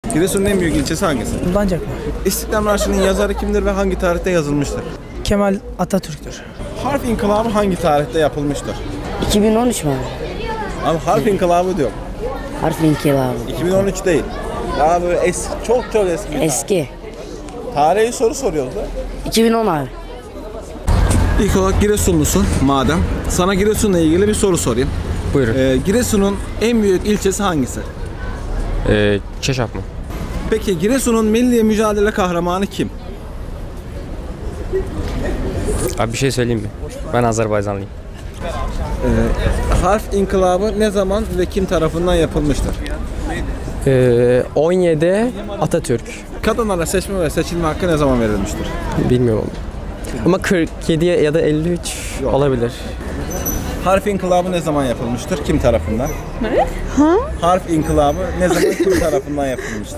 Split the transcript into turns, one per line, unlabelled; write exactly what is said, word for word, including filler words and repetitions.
Giresun'un en büyük ilçesi hangisi?
Kullanacak mı?
İstiklal Marşı'nın yazarı kimdir ve hangi tarihte yazılmıştır?
Kemal Atatürk'tür.
Harf inkılabı hangi tarihte yapılmıştır?
iki bin on üç mü abi?
Abi harf inkılabı diyor.
Harf inkılabı.
iki bin on üç değil. Daha böyle eski, çok çok eski. bir tarih.
Eski.
Tarihi soru soruyoruz da.
iki bin on abi.
İlk olarak Giresunlusun madem. Sana Giresun'la ilgili bir soru sorayım.
Buyurun.
Ee, Giresun'un en büyük ilçesi hangisi?
Ee, Çeşap mı?
Peki Giresun'un milli mücadele kahramanı kim?
Abi bir şey söyleyeyim mi? Ben Azerbaycanlıyım.
Harf inkılabı ne zaman ve kim tarafından yapılmıştır?
Ee, on yedi Atatürk.
Kadınlara seçme ve seçilme hakkı ne zaman verilmiştir?
Bilmiyorum. Ama kırk yedi ya da elli üç olabilir.
Harf inkılabı ne zaman yapılmıştır? Kim tarafından? Ne? Ha? Harf inkılabı ne zaman kim tarafından yapılmıştır?